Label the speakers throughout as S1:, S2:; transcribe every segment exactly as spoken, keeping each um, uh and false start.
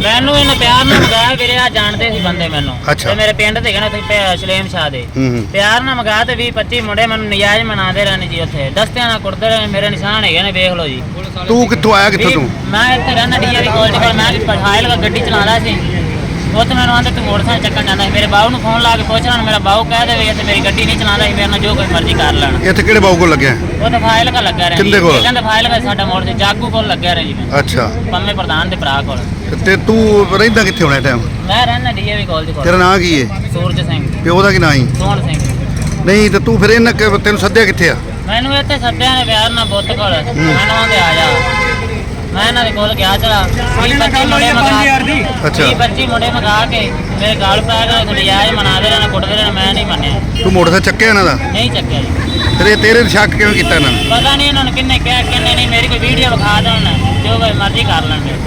S1: ਮੈਨੂੰ ਇਹਨੇ ਪਿਆਰ ਨਾਲ ਮੰਗਾਇਆ ਵੀਰੇ, ਆ ਜਾਣਦੇ ਸੀ ਬੰਦੇ ਮੈਨੂੰ ਤੇ ਮੇਰੇ ਪਿੰਡ ਦੇ ਕਹਿੰਦੇ ਤੁਸੀਂ ਸਲੇਮ ਸ਼ਾਹ ਦੇ ਪਿਆਰ ਨਾਲ ਮੰਗਾ ਤੇ ਵੀਹ ਪੱਚੀ ਮੁੰਡੇ ਮੈਨੂੰ ਨਜਾਇਜ਼ ਮਨਾਉਂਦੇ ਰਹਿਣੇ ਜੀ। ਉੱਥੇ ਦਸਤਿਆਂ ਨਾਲ ਕੁੱਟਦੇ ਰਹੇ, ਮੇਰੇ ਨਿਸ਼ਾਨ ਹੈਗੇ ਨੇ, ਵੇਖ ਲਓ ਜੀ।
S2: ਤੂੰ ਕਿੱਥੋਂ ਆਇਆ, ਕਿੱਥੋਂ ਤੂੰ?
S1: ਮੈਂ ਇੱਥੇ ਰਹਿਣਾ ਡੀਏਵੀ ਕਾਲਜ ਕੋਲ, ਮੈਂ ਪਠਾਇਲ ਗੱਡੀ ਚਲਾਉਂਦਾ ਸੀ। ਉੱਥੇ ਮੈਨੂੰ ਆਂਦੇ ਤੂੰ ਮੋਟਰਸਾਈਕਲ ਚੱਕਣ ਜਾਂਦਾ ਸੀ। ਮੇਰੇ ਬਾਹੂ ਨੂੰ ਫੋਨ ਲਾ ਕੇ ਪੁੱਛ ਲੈਣ, ਮੇਰਾ ਬਾਹੂ ਕਹਿ ਦੇਵੇ ਇੱਥੇ ਮੇਰੀ ਗੱਡੀ ਨਹੀਂ ਚਲਾਉਂਦਾ ਸੀ, ਮੇਰੇ ਨਾਲ ਜੋ ਕੋਈ ਮਰਜ਼ੀ ਕਰ ਲੈਣ।
S2: ਇੱਥੇ ਕਿਹੜੇ ਬਾਹੂ ਕੋਲ ਲੱਗਿਆ?
S1: ਉਹ ਤਾਂ ਫਾਈਲ ਕਾ ਲੱਗਿਆ ਰਿਹਾ।
S2: ਕਿੰਦੇ ਕੋਲ?
S1: ਕਹਿੰਦੇ ਫਾਈਲ ਕਾ ਸਾਡਾ ਮੋੜ ਤੇ ਜਾਗੂ ਕੋਲ ਲੱਗਿਆ ਰਿਹਾ ਜੀ। ਮੈਂ
S2: ਅੱਛਾ,
S1: ਪੰਮੇ ਪ੍ਰਧਾਨ ਦੇ ਭਰਾ ਕੋਲ।
S2: ਤੇ ਤੂੰ ਰਹਿੰਦਾ ਕਿੱਥੇ ਹੋਣਾ ਟਾਈਮ?
S1: ਮੈਂ ਰਹਿਣਾ ਡੀਏਵੀ ਕਾਲਜ ਕੋਲ।
S2: ਤੇਰਾ ਨਾਂ ਕੀ ਹੈ?
S1: ਸੂਰਜ ਸਿੰਘ।
S2: ਪਿਓ ਦਾ ਕੀ ਨਾਂ ਹੈ?
S1: ਸੋਹਣ ਸਿੰਘ।
S2: ਨਹੀਂ ਤੇ ਤੂੰ ਫਿਰ ਇਹਨਾਂ ਤੈਨੂੰ ਸੱਦਿਆ ਕਿੱਥੇ ਆ?
S1: ਮੈਨੂੰ ਇੱਥੇ ਸੱਦਿਆ ਨੇ ਪਿਆਰ ਨਾਲ ਬੁੱਤ ਕੋਲ। ਮੈਨੂੰ ਆਂਦੇ ਆ ਜਾ, ਮੈਂ ਇਹਨਾਂ ਦੇ ਕੋਲ ਗਿਆ। ਚਲਾ ਵੀਹ ਪੱਚੀ ਮੁੰਡੇ ਮੰਗਾ
S2: ਅੱਛਾ
S1: ਵੀਹ ਪੱਚੀ ਮੁੰਡੇ ਮੰਗਾ ਕੇ ਮੇਰੇ ਗਾਲ ਪੈ ਗਏ, ਨਜਾਇਜ਼ ਮਨਾਦੇ ਰਹੇ, ਕੁੱਟਦੇ ਰਹੇ। ਮੈਂ ਨਹੀਂ ਮੰਨਿਆ।
S2: ਤੂੰ ਮੋਟਰਸਾਈਕਲ ਚੱਕਿਆ ਇਹਨਾਂ ਦਾ?
S1: ਨਹੀਂ ਚੱਕਿਆ ਜੀ।
S2: ਤੇਰੇ ਤੇਰੇ ਤੇ ਸ਼ੱਕ ਕਿਵੇਂ ਕੀਤਾ ਇਹਨਾਂ ਨੇ?
S1: ਪਤਾ ਨਹੀਂ ਇਹਨਾਂ ਨੂੰ ਕਿੰਨੇ ਕਿਹਾ ਕਿੰਨੇ ਨਹੀਂ। ਮੇਰੀ ਕੋਈ ਵੀਡੀਓ ਵਿਖਾ ਦੇਣ, ਜੋ ਕੋਈ ਮਰਜ਼ੀ ਕਰ ਲੈਣਗੇ।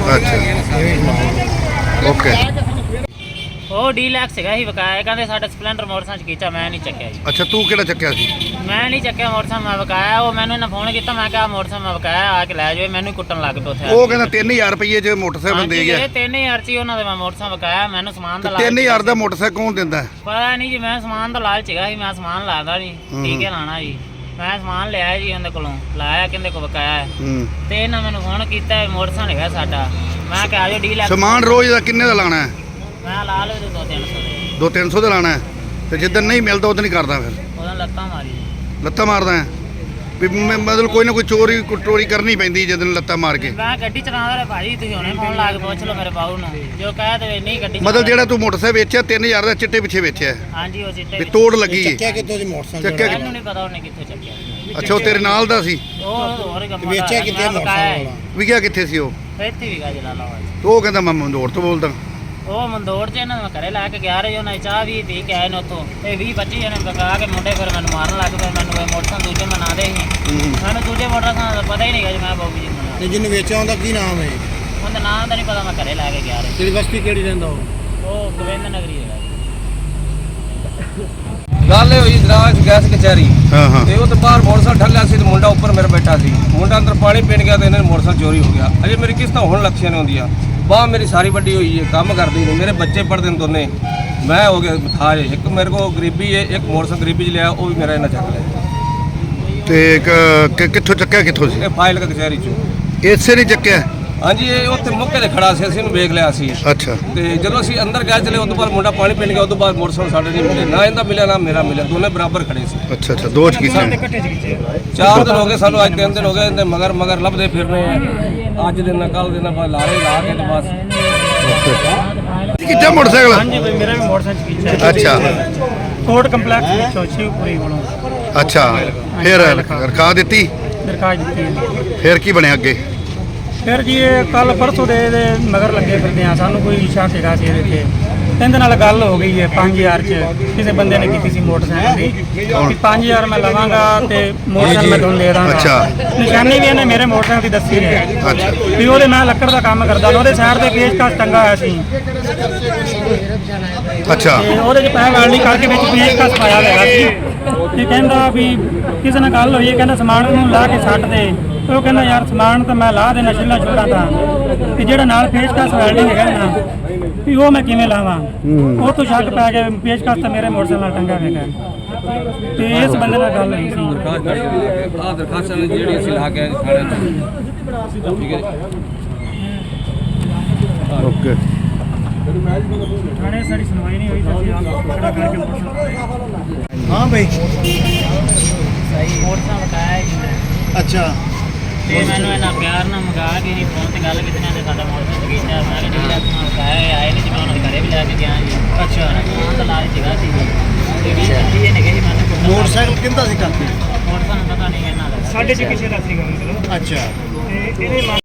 S2: ਅੱਛਾ ਓਕੇ।
S1: ਉਹ ਡੀਲੈਕਸ ਹੈਗਾ ਹੀ ਵਿਕਾਇਆ, ਕਹਿੰਦੇ ਸਾਡਾ ਸਪਲੈਂਡਰ ਮੋਟਰਸਾਈਕਲ ਕੀਤਾ। ਮੈਂ ਨਹੀਂ ਚੱਕਿਆ ਜੀ।
S2: ਅੱਛਾ, ਤੂੰ ਕਿਹੜਾ ਚੱਕਿਆ ਸੀ?
S1: ਮੈਂ ਨਹੀਂ ਚੱਕਿਆ ਮੋਟਰਸਾਈਕਲ, ਮੈਂ ਵਿਕਾਇਆ। ਉਹ ਮੈਨੂੰ ਇਹਨਾਂ ਫੋਨ ਕੀਤਾ, ਮੈਂ ਕਿਹਾ ਮੋਟਰਸਾਈਕਲ ਮੈਂ ਵਿਕਾਇਆ, ਆ ਕੇ ਲੈ ਜਾਓ। ਮੈਨੂੰ ਕੁੱਟਣ ਲੱਗ ਪਿਆ ਉੱਥੇ।
S2: ਉਹ ਕਹਿੰਦਾ ਤਿੰਨ ਹਜ਼ਾਰ ਰੁਪਏ ਚ ਮੋਟਰਸਾਈਕਲ ਦੇ ਗਿਆ।
S1: ਤਿੰਨ ਹਜ਼ਾਰ ਚ ਉਹਨਾਂ ਦੇ ਮੈਂ ਮੋਟਰਸਾਈਕਲ ਵਿਕਾਇਆ। ਮੈਨੂੰ ਸਮਾਨ ਦਾ ਲਾਲਚ।
S2: ਤਿੰਨ ਹਜ਼ਾਰ ਦਾ ਮੋਟਰਸਾਈਕਲ ਕੌਣ ਦਿੰਦਾ?
S1: ਪਤਾ ਨਹੀਂ ਜੀ, ਮੈਂ ਸਮਾਨ ਦਾ ਲਾਲਚ ਹੈਗਾ ਸੀ। ਮੈਂ ਸਮਾਨ ਲਾਦਾ ਨਹੀਂ, ਠੀਕ ਹੈ ਲਾਣਾ ਜੀ। ਮੈਂ ਸਮਾਨ ਲਿਆ ਜੀ ਉਹਦੇ ਕੋਲੋਂ, ਲਾਇਆ ਕਿੰਦੇ ਕੋ ਵਿਕਾਇਆ। ਤੇ ਇਹਨਾਂ ਮੈਨੂੰ ਫੋਨ ਕੀਤਾ ਮੋਟਰਸਾਈਕਲ ਹੈਗਾ ਸਾਡਾ। ਮੈਂ ਕਿਹਾ ਆ ਜਾਓ ਡੀਲੈਕਸ।
S2: ਸਮਾਨ ਰੋਜ਼ ਦਾ ਕਿੰਨੇ ਦਾ ਲਾਣਾ ਹੈ?
S1: ਮੈਂ ਲਾ ਲਓ ਦੋ ਤਿੰਨ ਸੌ ਦੇ।
S2: ਦੋ ਤਿੰਨ ਸੌ ਦਾ ਲਾਣਾ ਹੈ ਤੇ ਜਿੱਦਣ ਨਹੀਂ ਮਿਲਦਾ ਉਦੋਂ ਨਹੀਂ ਕਰਦਾ? ਫਿਰ
S1: ਉਹਨਾਂ ਲੱਤਾਂ ਮਾਰੀ
S2: ਲੱਤਾਂ ਮਾਰਦਾ ਹੈ ਵੀ ਮਤਲਬ ਕੋਈ ਨਾ ਕੋਈ ਚੋਰੀ ਚੋਰੀ ਕਰਨੀ ਪੈਂਦੀ ਜਦੋਂ ਲੱਤਾਂ ਮਾਰ ਕੇ?
S1: ਮੈਂ ਗੱਡੀ ਚਲਾਉਂਦਾ ਰਿਹਾ ਭਾਜੀ, ਤੁਸੀਂ ਹੁਣੇ ਫੋਨ ਲਾ ਕੇ ਪੁੱਛ ਲਓ ਮੇਰੇ ਬਾਊ ਨੂੰ, ਜੋ ਕਹਿ ਦੇਵੇ ਨਹੀਂ ਗੱਡੀ।
S2: ਮਤਲਬ ਜਿਹੜਾ ਤੂੰ ਮੋਟਰਸਾਈਕਲ ਵੇਚਿਆ ਤਿੰਨ ਹਜ਼ਾਰ ਦਾ ਚਿੱਟੇ ਪਿੱਛੇ ਵੇਚਿਆ?
S1: ਹਾਂਜੀ, ਉਹ ਚਿੱਟੇ
S2: ਵੀ ਤੋੜ ਲੱਗੀ ਹੈ।
S3: ਚੱਕਿਆ ਕਿੱਥੋਂ ਦੀ ਮੋਟਰਸਾਈਕਲ?
S2: ਚੱਕਿਆ
S1: ਮੈਨੂੰ ਨਹੀਂ ਪਤਾ ਉਹਨੇ ਕਿੱਥੋਂ ਚੱਕਿਆ।
S2: ਅੱਛਾ, ਉਹ ਤੇਰੇ ਨਾਲ ਦਾ ਸੀ?
S1: ਉਹ ਹੋਰ ਕੰਮ
S3: ਵੇਚਿਆ ਕਿੱਥੇ ਮੋਟਰਸਾਈਕਲ?
S2: ਵਿਕਿਆ ਕਿੱਥੇ ਸੀ ਉਹ?
S1: ਇੱਥੇ ਵੀ ਗਾ ਜਲਾਲਾ ਵਾ।
S2: ਉਹ ਕਹਿੰਦਾ ਮੈਂ ਮੰਦੋੜ ਤੋਂ ਬੋਲਦਾ।
S1: ਉਹ ਮੰਦੋੜ 'ਚ ਇਹਨਾਂ ਨੂੰ ਘਰੇ ਲੈ ਕੇ ਗਿਆ ਰਹੇ, ਉਹਨਾਂ ਦੀ ਚਾਹ ਵੀ ਪੀ ਕੇ ਆਏ ਨੇ ਉੱਥੋਂ। ਇਹ ਵੀਹ ਪੱਚੀ ਜਣੇ ਬਕਾ ਕੇ ਮੁੰਡੇ ਫਿਰ ਮੈਨੂੰ ਮਾਰਨ ਲੱਗ ਪਏ। ਮੈਨੂੰ ਇਹ ਮੋਟਰਸਾਈਕਲ ਦੂਜੇ ਮਨਾ ਦੇ ਸੀ। ਮੈਨੂੰ ਦੂਜੇ ਮੋਟਰਸਾਈਕਲ ਦਾ ਪਤਾ ਹੀ ਨਹੀਂ ਗਾ ਜੀ। ਮੈਂ ਬਾਬੂ ਜੀ ਮਨਾ।
S3: ਤੇ ਜਿਹਨੂੰ ਵੇਚਿਆ ਉਹਦਾ ਕੀ ਨਾਮ ਹੈ?
S1: ਉਹਦਾ ਨਾਮ ਦਾ ਨਹੀਂ ਪਤਾ, ਮੈਂ ਘਰੇ ਲੈ ਕੇ ਗਿਆ ਰਹੇ।
S3: ਕਿਹੜੀ ਬਸਤੀ ਕਿਹੜੀ ਰਹਿੰਦਾ ਉਹ?
S1: ਉਹ ਗੋਬਿੰਦ ਨਗਰੀ ਹੈਗਾ।
S4: ਗੱਲ ਇਹ ਹੋਈ ਦਰਾਜ ਗੈਸ ਕਚਹਿਰੀ।
S2: ਹਾਂ ਹਾਂ।
S4: ਤੇ ਉਹ ਤੇ ਬਾਹਰ ਮੋਟਰਸਾਈਕਲ ਠੱਲਿਆ ਸੀ ਤੇ ਮੁੰਡਾ ਉੱਪਰ ਮੇਰੇ ਬੈਠਾ ਸੀ। ਮੁੰਡਾ ਅੰਦਰ ਪਾਣੀ ਪੀਣ ਗਿਆ ਤੇ ਇਹਨਾਂ ਨੇ ਮੋਟਰਸਾਈਕਲ ਚੋਰੀ ਹੋ ਗਿਆ। ਅਜੇ ਮੇਰੀ ਕਿਸ਼ਤਾਂ ਹੁਣ ਲੱਖਾਂ ਨੇ ਹੁੰਦੀਆਂ। ਬਾਹ ਮੇਰੀ ਸਾਰੀ ਵੱਡੀ ਹੋਈ ਹੈ, ਕੰਮ ਕਰਦੀ ਨਹੀਂ। ਮੇਰੇ ਬੱਚੇ ਪੜ੍ਹਦੇ ਨੇ ਦੋਨੇ। ਮੈਂ ਹੋ ਗਿਆ ਮਥਾਜ। ਇੱਕ ਮੇਰੇ ਕੋਲ ਗਰੀਬੀ ਹੈ, ਇੱਕ ਮੋਟਰਸਾਈਕਲ ਗਰੀਬੀ 'ਚ ਲਿਆ, ਉਹ ਵੀ ਮੇਰਾ ਇਹਨਾਂ ਚੱਕ ਲਿਆ।
S2: ਤੇ ਕਿੱਥੋਂ ਚੱਕਿਆ ਕਿੱਥੋਂ ਸੀ?
S4: ਇਹ ਫਾਈਲ ਕਚਹਿਰੀ 'ਚੋਂ।
S2: ਇਸੇ ਨਹੀਂ ਚੱਕਿਆ?
S4: ਹਾਂਜੀ, ਇਹ ਉੱਥੇ ਮੁੱਕੇ ਤੇ ਖੜਾ ਸੀ, ਅਸੀਂ ਇਹਨੂੰ ਵੇਖ ਲਿਆ ਸੀ।
S2: ਅੱਛਾ।
S4: ਤੇ ਜਦੋਂ ਅਸੀਂ ਅੰਦਰ ਗਏ ਚਲੇ, ਉਸ ਤੋਂ ਬਾਅਦ ਮੁੰਡਾ ਪਾਣੀ ਪੀਣ ਗਿਆ। ਉਸ ਤੋਂ ਬਾਅਦ ਮੋਟਰਸਾਈਕਲ ਸਾਡੇ ਨਹੀਂ ਮਿਲੇ, ਨਾ ਇਹਦਾ ਮਿਲਿਆ ਨਾ ਮੇਰਾ ਮਿਲਿਆ। ਦੋਨੇ ਬਰਾਬਰ ਖੜੇ ਸੀ।
S2: ਅੱਛਾ ਅੱਛਾ, ਦੋ ਚ ਕੀਤੇ?
S4: ਚਾਰ ਦਿਨ ਹੋ ਗਏ ਸਾਨੂੰ, ਅੱਜ ਤਿੰਨ ਦਿਨ ਹੋ ਗਏ। ਮਗਰ ਮਗਰ ਲੱਭਦੇ ਫਿਰਨੇ ਆ। ਅੱਜ ਦਿਨ ਕੱਲ ਦਿਨ ਆਪਾਂ ਲਾਰੇ ਲਾ ਕੇ ਤੇ ਬਸ।
S2: ਕਿੱਥੇ ਮੋਟਰਸਾਈਕਲ?
S5: ਹਾਂਜੀ ਬਈ, ਮੇਰਾ ਵੀ ਮੋਟਰਸਾਈਕਲ ਕੀਤਾ।
S2: ਅੱਛਾ।
S5: ਕੋਰਟ ਕੰਪਲੈਕਸ ਵਿੱਚੋਂ ਸ਼ਿਵਪੁਰੀ ਕੋਲੋਂ।
S2: ਅੱਛਾ, ਫਿਰ ਰਖਾ ਦਿੱਤੀ?
S5: ਦਰਖਾਸਤ ਦਿੱਤੀ।
S2: ਫਿਰ ਕੀ ਬਣਿਆ ਅੱਗੇ?
S5: ਫਿਰ ਜੀ ਇਹ ਕੱਲ ਪਰਸੋਂ ਦੇ ਇਹਦੇ ਮਗਰ ਲੱਗੇ ਫਿਰਦੇ ਆ। ਸਾਨੂੰ ਕੋਈ ਸ਼ੱਕ ਹੈਗਾ ਸੀ ਇਹਦੇ ਤੇ। ਇਹਦੇ ਨਾਲ ਗੱਲ ਹੋ ਗਈ ਹੈ ਪੰਜ ਹਜ਼ਾਰ ਚ। ਕਿਸੇ ਬੰਦੇ ਨੇ ਕੀਤੀ ਸੀ ਮੋਟਰਸਾਈਕਲ ਦੀ ਕਿ ਪੰਜ ਹਜ਼ਾਰ ਮੈਂ ਲਵਾਂਗਾ ਤੇ ਮੋਟਰਸਾਈਕਲ ਮੈਂ ਤੁਹਾਨੂੰ ਦੇ ਦਾਂਗਾ।
S2: ਅੱਛਾ।
S5: ਨਿਸ਼ਾਨੀ ਵੀ ਇਹਨੇ ਮੇਰੇ ਮੋਟਰਸਾਈਕਲ ਦੀ ਦੱਸੀ ਹੈ।
S2: ਅੱਛਾ।
S5: ਵੀ ਉਹਦੇ ਮੈਂ ਲੱਕੜ ਦਾ ਕੰਮ ਕਰਦਾ, ਉਹਦੇ ਸਾਈਡ ਤੇ ਪੇਚਕਸ ਟੰਗਾ ਹੋਇਆ ਸੀ।
S2: ਅੱਛਾ।
S5: ਤੇ ਉਹਦੇ ਚ ਪੈਸੇ ਵਾਲੀ ਕਰਕੇ ਵਿੱਚ ਪੇਚਕਸ ਪਾਇਆ ਹੋਇਆ ਸੀ। ਤੇ ਕਹਿੰਦਾ ਵੀ ਕਿਸੇ ਨਾਲ ਗੱਲ ਹੋਈ ਹੈ, ਕਹਿੰਦਾ ਸਮਾਨ ਨੂੰ ਲਾ ਕੇ ਛੱਡ ਦੇ। ਉਹ ਕਹਿੰਦਾ ਯਾਰ ਸਮਾਨ ਤਾਂ ਮੈਂ ਲਾ ਦੇਣਾ ਛਿੱਲਾ ਛੁੱਟਾ ਤਾਂ, ਤੇ ਜਿਹੜਾ ਨਾਲ ਪੇਚਕਸ ਵੈਲਡਿੰਗ ਹੈਗਾ ਨਾ ਵੀ ਉਹ ਮੈਂ ਕਿਵੇਂ ਲਾਵਾਂ? ਉਹ ਤੋਂ ਸ਼ੱਕ ਪੈ ਗਿਆ। ਪੇਚਕਸ ਤਾਂ ਮੇਰੇ ਮੋਟਰਸਾਈਕਲ ਨਾਲ ਟੰਗਾ ਹੈਗਾ। ਤੇ ਇਸ ਬੰਦੇ ਨਾਲ ਗੱਲ ਹੋਈ ਸੀ।
S4: ਆਹ ਦਰਖਾਸਤਾਂ ਜਿਹੜੀ ਅਸੀਂ ਲਾ ਕੇ ਆਏ ਥਾਣੇ 'ਚ। ਠੀਕ ਹੈ
S2: ਓਕੇ।
S5: ਥਾਣੇ ਸਾਡੀ ਸੁਣਵਾਈ ਨਹੀਂ ਹੋਈ ਤਾਂ ਅਸੀਂ ਆਪ ਖੜਾ ਕਰਕੇ ਮੋਟਰਸਾਈਕਲ।
S3: ਹਾਂ ਬਈ।
S1: ਸਹੀ ਮੋਟਰਸਾਈਕਲ ਬਕਾਇਆ ਜੀ।
S3: ਅੱਛਾ।
S1: ਤੇ ਮੈਨੂੰ ਇਹਨਾਂ ਪਿਆਰ ਨਾਲ ਮੰਗਾ ਕੇ ਜੀ ਫੋਨ ਤੇ ਗੱਲ ਕੀਤੀ ਨਾ ਤੇ ਸਾਡਾ ਮੋਟਰਸਾਈਕਲ ਕੀਤਾ। ਮੈਂ ਕਿਹਾ ਡੀਲੈਕਸ ਨਾਲ ਬਕਾਇਆ ਆਏ ਨਹੀਂ ਜੀ। ਮੈਂ ਉਹਨਾਂ ਦੇ ਘਰੇ ਵੀ ਲੈ ਕੇ ਗਿਆ ਜੀ। ਅੱਛਾ। ਉਹਨਾਂ ਦਾ ਲਾਲਚ ਸੀਗਾ ਸੀ ਜੀ। ਤੇ ਵੀਹ ਪੱਚੀ ਇਹਨੇ ਕਹੀ ਮੈਨੂੰ
S3: ਮੋਟਰਸਾਈਕਲ ਕਿੰਦਾ ਸੀ ਕਾਪੀ?
S1: ਮੋਟਰਸਾਈਕਲ ਪਤਾ ਨਹੀਂ ਇਹਨਾਂ ਦਾ।
S5: ਸਾਡੇ ਚ ਕਿਸੇ ਦਾ ਸੀਗਾ ਮਤਲਬ।
S3: ਅੱਛਾ।
S5: ਤੇ ਇਹਦੇ